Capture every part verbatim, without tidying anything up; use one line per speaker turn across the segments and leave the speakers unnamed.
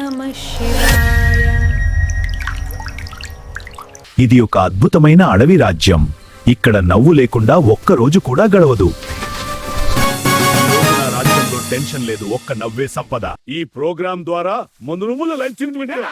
నమః శివాయ.
ఇది ఒక అద్భుతమైన అడవి రాజ్యం. ఇక్కడ నవ్వు లేకుండా ఒక్క రోజు కూడా గడవదు. రాజ్యంలో టెన్షన్ లేదు, ఒక్క నవ్వే సంపద. ఈ ప్రోగ్రాం ద్వారా ముందు లంచ్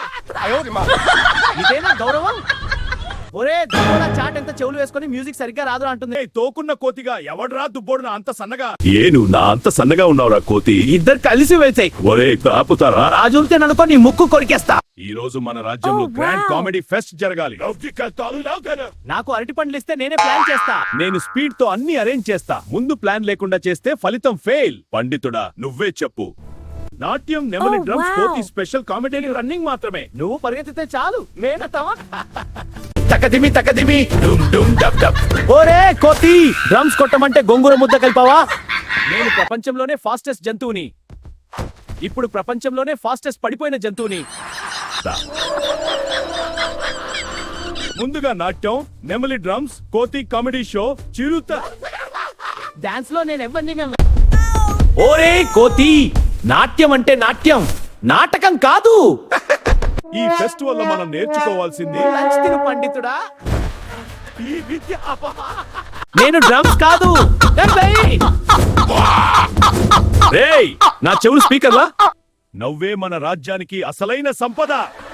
ఇదేనా గౌరవం? ఒరే దుబ్బోడా చాట్ ఎంత చెవులు వేసుకొని మ్యూజిక్ సరిగ్గా రాదు అంటుంది.
తోకున్న కోతిగా ఎవడ్రా దుబ్బోడున అంత సన్నగా? ఏను నా అంత సన్నగా ఉన్నావురా కోతి?
ఇద్దరు కలిసి వేసాయి.
ఒరే ఆపుతారా?
రాజులతో అనుకో నీ ముక్కు కొరికేస్తా.
ఈ రోజు మన రాజ్యంలో
Oh,
grand
wow.
Comedy fest జరగాలి.
నాకు అరటి పండ్లు ఇస్తే నేనే ప్లాన్ చేస్తా.
నేను స్పీడ్ తో అన్ని అరేంజ్ చేస్తా. ముందు ప్లాన్ లేకుండా చేస్తే ఫలితం ఫెయిల్. పండితుడా నువ్వే చెప్పు. నాట్యం, నెమలి
Oh,
డ్రమ్స్,
wow.
కోతి స్పెషల్ కామెడీ రన్నింగ్ మాత్రమే.
నువ్వు పరిగెత్తితే చాలు నేనతావా?
తకదిమి తకదిమి డుమ్ డుమ్ డబ్ డబ్.
ఓరే కోతి, డ్రమ్స్ కొట్టమంటే గొంగుర ముద్ద కలిపావా? నేను ప్రపంచంలోనే ఫాస్టెస్ట్ జంతువుని. ఇప్పుడు ప్రపంచంలోనే ఫాస్టెస్ట్ పడిపోయిన జంతువుని.
ముందుగా నాట్యం, నెమలి డ్రమ్స్, కోతి కామెడీ షో, చిరుత.
డాన్స్ లో నేను ఎవరిని ఓరే కోతి, నాట్యం అంటే నాట్యం, నాటకం కాదు.
ఈ ఫెస్టివల్ లో మనం నేర్చుకోవాల్సింది
లంచ్ తిను పండితుడా. నేను డ్రమ్స్ కాదు.
రేయ్, నా చెవులు స్పీకర్లా? నవ్వే మన రాజ్యానికి అసలైన సంపద.